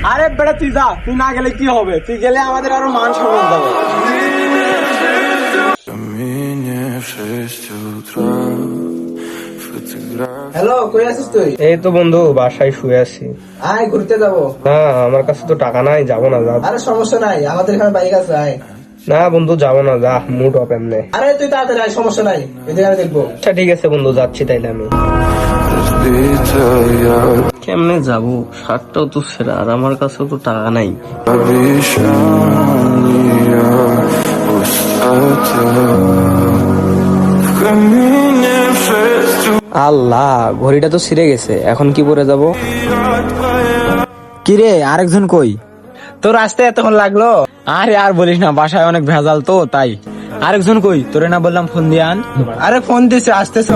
আরে বেটা তুই যা, তুই না গেলে কি হবে? তুই গেলে আমাদের আরো মান সম্মান যাবে। হ্যালো, কই আছিস তুই? এই তো বন্ধু বাসায় শুয়ে আছি। আয় ঘুরতে যাবো। না আমার কাছে তো টাকা নাই, যাবো না। যা আরে সমস্যা নাই, আমাদের এখানে বাইক আছে, আয়। না বন্ধু যাবো না, যা মুড অফ এমনি। আরে তুই তাড়াতাড়ি আয়, সমস্যা নাই, এদিকে আমি দেখবো। আচ্ছা ঠিক আছে বন্ধু, যাচ্ছি তাইলে আমি। কেমনে যাবো? শার্টটাও তো ছেঁড়া আর আমার কাছেও তো টাকা নাই। আল্লাহ, ঘড়িটা তো ছিঁড়ে গেছে, এখন কি পরে যাব? কি রে, আরেকজন কই? তোর আসতে এতক্ষণ লাগলো? আরে আর বলিস না, বাসায় অনেক ভেজাল তো তাই। আরেকজন কই? তোরে না বললাম ফোন দিয়ে আন? আরে ফোন দিছে, আসতেছ?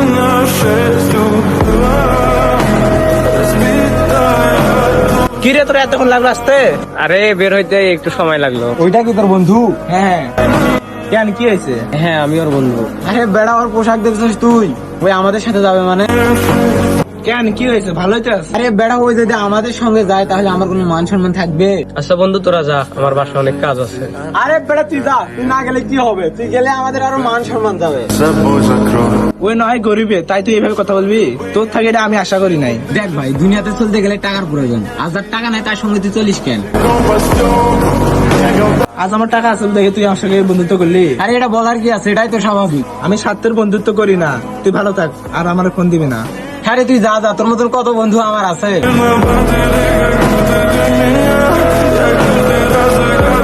কি রে, তোর এতক্ষণ লাগলো আসতে? আরে বের হইতে একটু সময় লাগলো। ওইটা কি তোর বন্ধু? হ্যাঁ। কেন, কি হয়েছে? হ্যাঁ আমি ওর বন্ধু। আরে বেড়া, ওর পোশাক দেখছিস তুই? ওই আমাদের সাথে যাবে মানে? কেন, কি হয়েছে? ভালোই তো আছে। আরে বেড়া, ওই যদি আমাদের সঙ্গে যায় তাহলে আমার কোনো মান সম্মান থাকবে? আচ্ছা বন্ধু তোরা যা, আমার বাসায় অনেক কাজ আছে। আরে বেটা তুই যা, তুই না গেলে কি হবে? তুই গেলে আমাদের আরো মান সম্মান যাবে। ওই নয় গরিবে, তাই তুই এইভাবে কথা বলবি? তোর থাকে এটা আমি আশা করি নাই। দেখ ভাই, দুনিয়াতে চলতে গেলে টাকার প্রয়োজন। আর যার টাকা নাই তার সঙ্গে তুই চলিস কেন? আজ আমার টাকা আছে দেখে তুই আমার সঙ্গে বন্ধুত্ব করলি? আরে এটা বলার কি আছে, এটাই তো স্বাভাবিক। আমি স্বার্থের বন্ধুত্ব করি না। তুই ভালো থাক, আর আমার ফোন দিবি না। হ্যাঁ রে, তুই যা যা, তোর মতন কত বন্ধু আমার আছে।